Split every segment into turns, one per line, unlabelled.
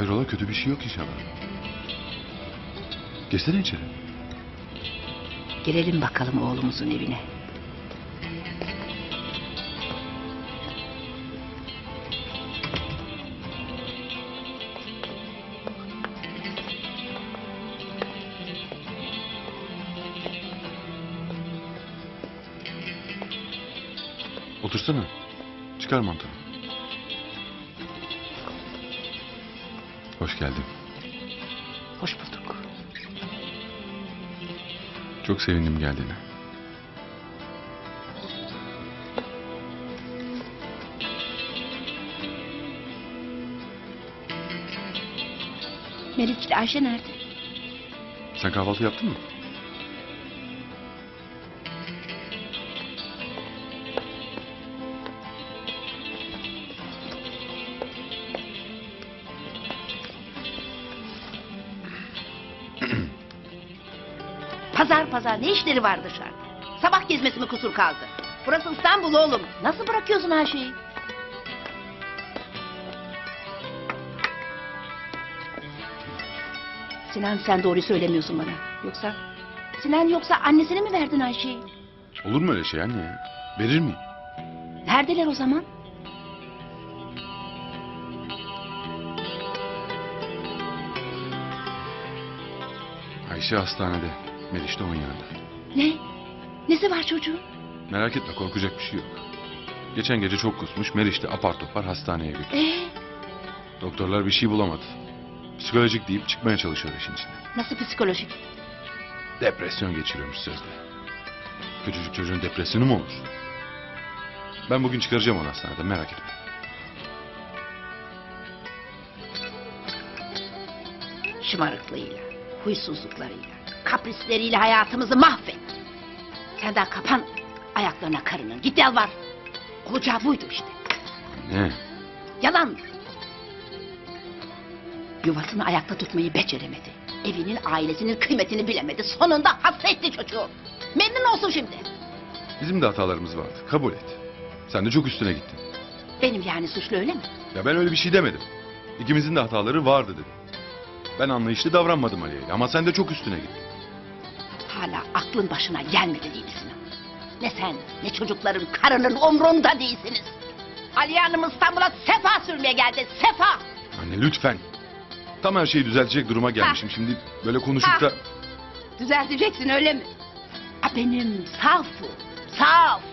Hayrola, kötü bir şey yok inşallah. Geçsene içeri.
Girelim bakalım oğlumuzun evine.
Otursana. Çıkar mantığını. Hoş geldin.
Hoş bulduk.
Çok sevindim geldiğine.
Meriç'le Ayşe nerede?
Sen kahvaltı yaptın mı?
Pazar ne işleri var dışarıda? Sabah gezmesi mi kusur kaldı? Burası İstanbul oğlum. Nasıl bırakıyorsun her şeyi? Sinan, sen doğruyu söylemiyorsun bana. Yoksa annesine mi verdin Ayşe'yi?
Olur mu öyle şey anne ya? Verir miyim?
Neredeler o zaman?
Ayşe hastanede. Meriç de onun yanında.
Ne? Nesi var çocuğun?
Merak etme, korkacak bir şey yok. Geçen gece çok kusmuş. Meriç de apar topar hastaneye götürdü. Doktorlar bir şey bulamadı. Psikolojik deyip çıkmaya çalışıyor işin içinden.
Nasıl psikolojik?
Depresyon geçiriyormuş sözde. Küçücük çocuğun depresyonu mu olur? Ben bugün çıkaracağım onu hastaneden, merak etme.
Şımarıklığıyla, huysuzluklarıyla, kaprisleriyle hayatımızı mahvetti. Sen daha kapan ayaklarına karının. Git yalvar. Olacağı buydu işte.
Ne?
Yalan. Yuvasını ayakta tutmayı beceremedi. Evinin, ailesinin kıymetini bilemedi. Sonunda hasretti çocuğu. Memnun olsun şimdi.
Bizim de hatalarımız vardı, kabul et. Sen de çok üstüne gittin.
Benim yani suçlu, öyle mi?
Ya ben öyle bir şey demedim. İkimizin de hataları vardı dedim. Ben anlayışlı davranmadım Aliye'yle ama sen de çok üstüne gittin.
Hala aklın başına gelmedi değil misin? Ne sen, ne çocukların, karının umrunda değilsiniz. Aliye Hanım İstanbul'a sefa sürmeye geldi, sefa!
Anne lütfen. Tam her şeyi düzeltecek duruma gelmişim. Şimdi böyle konuşup da...
Düzelteceksin, öyle mi? Benim saf.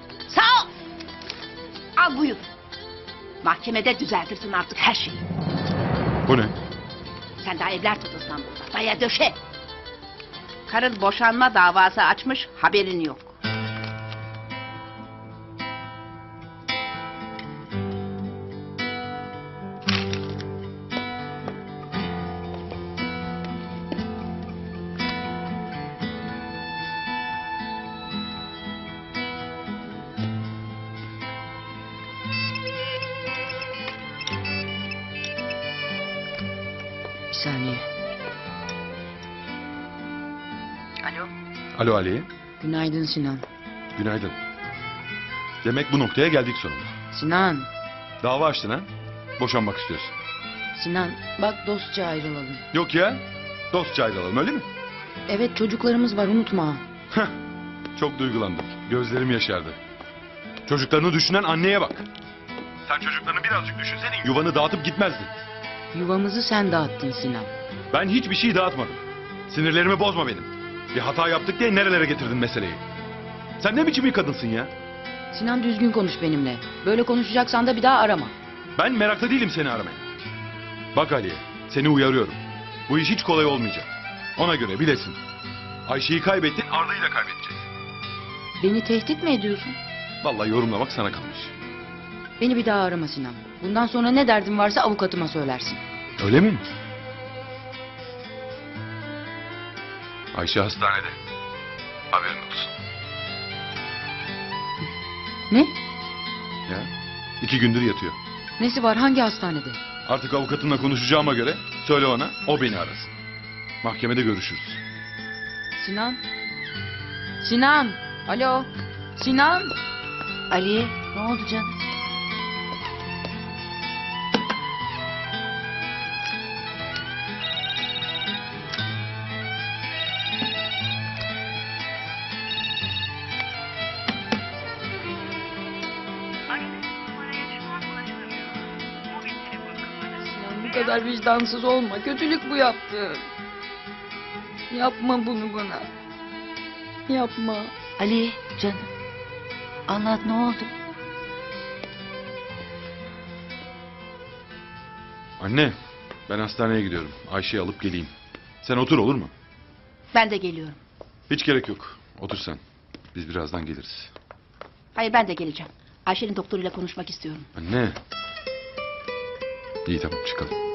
Al buyur. Mahkemede düzeltirsin artık her şeyi.
Bu ne?
Sen daha evler tut İstanbul'da, daya döşe. Karın boşanma davası açmış, haberin yok.
Bir saniye. Alo.
Alo Aliye.
Günaydın Sinan.
Günaydın. Demek bu noktaya geldik sonunda.
Sinan.
Dava açtın ha? Boşanmak istiyorsun.
Sinan bak dostça ayrılalım.
Yok ya. Dostça ayrılalım, öyle mi?
Evet, çocuklarımız var, unutma.
Heh. Çok duygulandım. Gözlerim yaşardı. Çocuklarını düşünen anneye bak. Sen çocuklarını birazcık düşünseydin yuvanı dağıtıp gitmezdin.
Yuvamızı sen dağıttın Sinan.
Ben hiçbir şey dağıtmadım. Sinirlerimi bozma benim. Bir hata yaptık diye nerelere getirdin meseleyi? Sen ne biçim bir kadınsın ya?
Sinan, düzgün konuş benimle. Böyle konuşacaksan da bir daha arama.
Ben meraklı değilim seni aramaya. Bak Aliye, seni uyarıyorum. Bu iş hiç kolay olmayacak. Ona göre bilesin. Ayşe'yi kaybettin, Arda'yı da kaybedeceğiz.
Beni tehdit mi ediyorsun?
Vallahi yorumlamak sana kalmış.
Beni bir daha arama Sinan. Bundan sonra ne derdin varsa avukatıma söylersin.
Öyle mi? Ayşe hastanede. Haberin olsun.
Ne?
Ya, 2 gündür yatıyor.
Nesi var, hangi hastanede?
Artık avukatımla konuşacağıma göre söyle ona, o beni arasın. Mahkemede görüşürüz.
Sinan? Sinan! Alo! Sinan!
Aliye, ne oldu canım?
kadar vicdansız olma. Kötülük bu yaptığın. Yapma bunu bana. Yapma.
Ali canım. Anlat ne oldu?
Anne, ben hastaneye gidiyorum. Ayşe'yi alıp geleyim. Sen otur, olur mu?
Ben de geliyorum.
Hiç gerek yok. Otur sen. Biz birazdan geliriz.
Hayır ben de geleceğim. Ayşe'nin doktoruyla konuşmak istiyorum.
Anne. İyi, tamam, çıkalım.